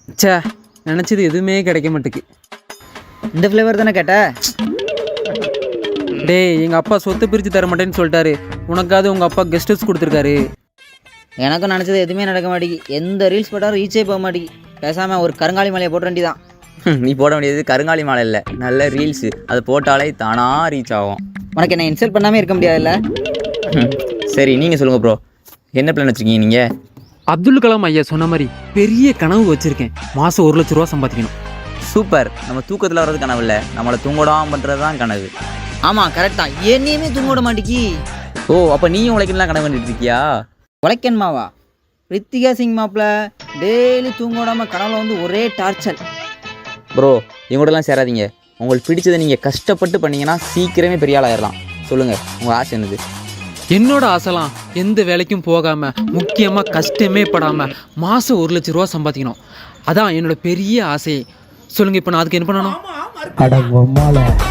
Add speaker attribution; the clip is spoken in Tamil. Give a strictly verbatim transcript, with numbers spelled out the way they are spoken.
Speaker 1: சே, நினச்சது எதுவுமே கிடைக்க மாட்டேக்கு.
Speaker 2: இந்த ஃப்ளேவர் தானே கேட்ட?
Speaker 1: டேய், எங்கள் அப்பா சொத்தை பிரித்து தர மாட்டேன்னு சொல்லிட்டாரு. உனக்காவது உங்கள் அப்பா கெஸ்ட் ஹவுஸ் கொடுத்துருக்காரு.
Speaker 2: எனக்கும் நினச்சது எதுவுமே நடக்க மாட்டேங்கி. எந்த ரீல்ஸ் போட்டாலும் ரீச்சே போக மாட்டேங்கி. பேசாமல் ஒரு கருங்காலி மலையை போட்ட வேண்டி தான்.
Speaker 3: நீ போட வேண்டியது கருங்காலி மாலை இல்லை, நல்ல ரீல்ஸு. அது போட்டாலே தானாக ரீச் ஆகும்.
Speaker 2: உனக்கு என்ன இன்சல்ட் பண்ணாமல் இருக்க முடியாதுல்ல?
Speaker 3: சரி, நீங்கள் சொல்லுங்கள் ப்ரோ, என்ன பிளான் வச்சுருக்கீங்க நீங்கள்?
Speaker 1: அப்துல் கலாம் ஐயா சொன்ன மாதிரி பெரிய கனவு வச்சுருக்கேன். மாதம் ஒரு லட்ச ரூபா சம்பாதிக்கணும்.
Speaker 3: சூப்பர். நம்ம தூக்கத்தில் வர்றது கனவு இல்லை, நம்மளை தூங்கடாமல் பண்ணுறது தான் கனவு.
Speaker 2: ஆமாம், கரெக்ட் தான். என்னையுமே தூங்க விட மாட்டேங்கி.
Speaker 3: ஓ, அப்போ நீயும் உழைக்கலாம் கனவு பண்ணிட்டு இருக்கியா?
Speaker 2: உழைக்கணுமாவா? ரித்திகா சிங் மாப்பிள்ள டெய்லி தூங்க விடாமல் கனவுல வந்து ஒரே டார்ச்சர்.
Speaker 3: ப்ரோ, எங்கூடலாம் சேராதீங்க. உங்களுக்கு பிடிச்சதை நீங்கள் கஷ்டப்பட்டு பண்ணீங்கன்னா சீக்கிரமே பெரிய ஆள் ஆயிடலாம். சொல்லுங்கள், உங்கள் ஆசை என்னது?
Speaker 1: என்னோட ஆசைலாம் எந்த வேலைக்கும் போகாமல், முக்கியமாக கஷ்டமே படாமல் மாதம் ஒரு லட்ச ரூபா சம்பாதிக்கணும். அதான் என்னோட பெரிய ஆசையே. சொல்லுங்கள், இப்போ நான் அதுக்கு என்ன பண்ணணும்?